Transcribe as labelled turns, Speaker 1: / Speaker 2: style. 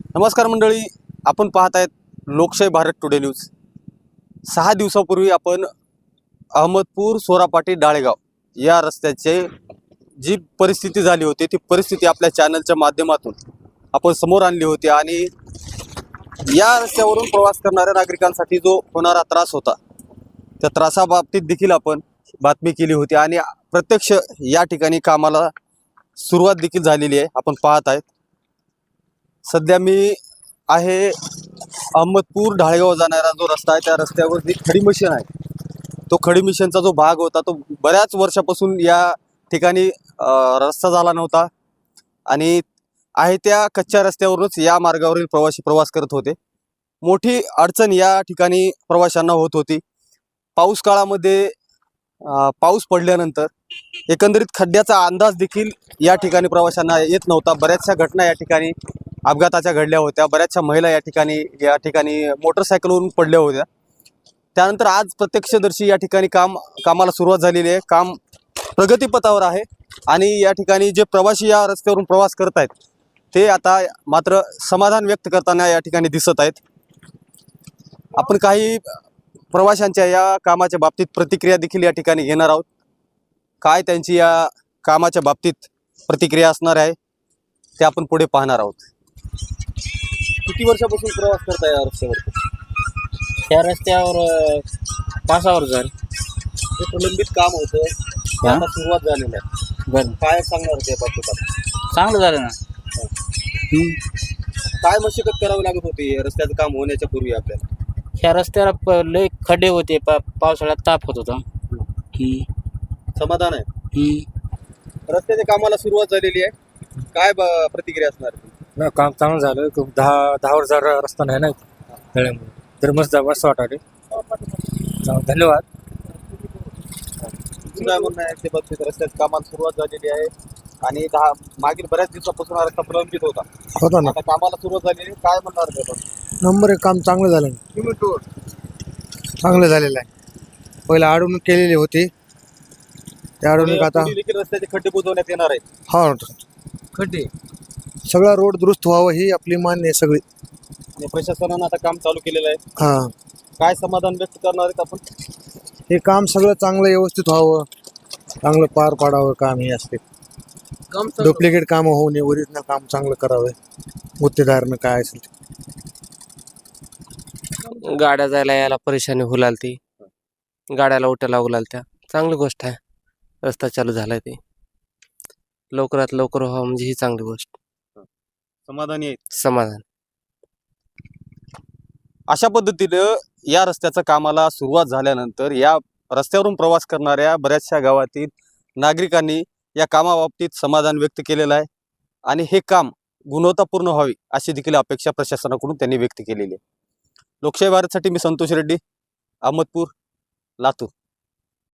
Speaker 1: नमस्कार मंडळी, आपण पाहत आहेत लोकशाही भारत टुडे न्यूज। 6 दिवसापूर्वी आपण अहमदपूर सोरापाटी डाळेगाव या रस्त्याचे जी परिस्थिती झाली होती ती परिस्थिती आपल्या चॅनलच्या माध्यमातून आपण समोर आणली होती आणि या रस्त्यावरून प्रवास करणाऱ्या नागरिकांसाठी जो होणारा त्रास होता त्या त्रासाबाबतीत देखील आपण बातमी केली होती आणि प्रत्यक्ष या ठिकाणी कामाला सुरुवात देखील झालेली आहे। आपण पाहत आहेत सध्या मी आहे अहमदपूर डाळेगाव जाणारा जो रस्ता आहे त्या रस्त्यावर जी खडी मशीन आहे तो खडी मशीनचा जो भाग होता तो बऱ्याच वर्षापासून या ठिकाणी रस्ता झाला नव्हता आणि आहे त्या कच्च्या रस्त्यावरूनच या मार्गावरील प्रवासी प्रवास करत होते। मोठी अडचण या ठिकाणी प्रवाशांना होत होती। पाऊस काळामध्ये पाऊस पडल्यानंतर एकंदरीत खड्ड्याचा अंदाज देखील या ठिकाणी प्रवाशांना येत नव्हता। बऱ्याचशा घटना या ठिकाणी अपघाताच्या घडल्या होत्या। बऱ्याचशा महिला या ठिकाणी मोटरसायकलवरून पडल्या होत्या। त्यानंतर आज प्रत्यक्षदर्शी या ठिकाणी कामाला सुरुवात झालेली आहे। काम प्रगतीपथावर आहे आणि या ठिकाणी जे प्रवासी या रस्त्यावरून प्रवास करत आहेत ते आता मात्र समाधान व्यक्त करताना या ठिकाणी दिसत आहेत। आपण काही प्रवाशांच्या या कामाच्या बाबतीत प्रतिक्रिया देखील या ठिकाणी घेणार आहोत। काय त्यांची या कामाच्या बाबतीत प्रतिक्रिया असणार आहे ते आपण पुढे पाहणार आहोत। किती वर्षापासून प्रवास करताय या रस्त्यावर?
Speaker 2: त्या रस्त्यावर 5 वर्ष झाली।
Speaker 1: हे प्रलंबित काम होतं ते आता सुरुवात झालेली आहे।
Speaker 2: बरं,
Speaker 1: काय सांगणार ते बाबतीत?
Speaker 2: चांगलं झालं ना।
Speaker 1: काय मशक्कत करावी लागत होती रस्त्याचं काम होण्याच्या पूर्वी आपल्याला?
Speaker 2: ह्या रस्त्याला लय खड्डे होते, पावसाळ्यात ताप होत होता।
Speaker 1: समाधान आहे रस्त्याच्या कामाला सुरुवात झालेली आहे। काय प्रतिक्रिया असणार?
Speaker 3: ना काम चांगलं झालं। 10 वर्ष रस्ता नाही ना तळ्यामुळे, तर मस्त वाटाले। धन्यवाद।
Speaker 1: काय म्हणणं आहे ते बाबतीत? रस्त्याच्या कामाला सुरुवात झालेली आहे आणि मागील बऱ्याच दिवसापासून हा रस्ता प्रलंबित होता ना। आता कामाला सुरुवात झालेली, काय म्हणणार ते?
Speaker 3: नंबर 1 काम चांगलं झालं, चांगलं झालेलं आहे। पहिले अडवणूक केलेली होती, त्या अडवणूक आता
Speaker 1: रस्त्याचे खड्डे बुजवण्यात येणार आहेत।
Speaker 3: हा,
Speaker 1: खड्डे
Speaker 3: सगळा रोड दुरुस्त व्हावं ही आपली मान्य आहे सगळी।
Speaker 1: आणि प्रशासनानं आता काम चालू केलेलं आहे।
Speaker 3: हा,
Speaker 1: काय समाधान व्यक्त करणार आहेत आपण?
Speaker 3: हे काम सगळं चांगलं व्यवस्थित व्हावं, चांगलं पार पाडावं काम हे असते। डुप्लिकेट काम होऊ नये, ओरिजिनल काम चांगलं करावं गुत्तेदारनं काय असेल ते।
Speaker 4: गाड्या जायला यायला परेशानी होऊ लागली, गाड्याला उठायला लागू लागल्या। चांगली गोष्ट आहे रस्ता चालू झालाय ते लवकरात लवकर व्हावं म्हणजे ही चांगली गोष्ट।
Speaker 1: समाधानी आहे,
Speaker 4: समाधान।
Speaker 1: अशा पद्धतीनं या रस्त्याच्या कामाला सुरुवात झाल्यानंतर या रस्त्यावरून प्रवास करणाऱ्या बऱ्याचशा गावातील नागरिकांनी या कामाबाबतीत समाधान व्यक्त केलेलं आहे आणि हे काम गुणवत्तापूर्ण व्हावी अशी देखील अपेक्षा प्रशासनाकडून त्यांनी व्यक्त केलेली आहे। लोकशाही भारतसाठी मी संतोष रेड्डी, अहमदपूर, लातूर।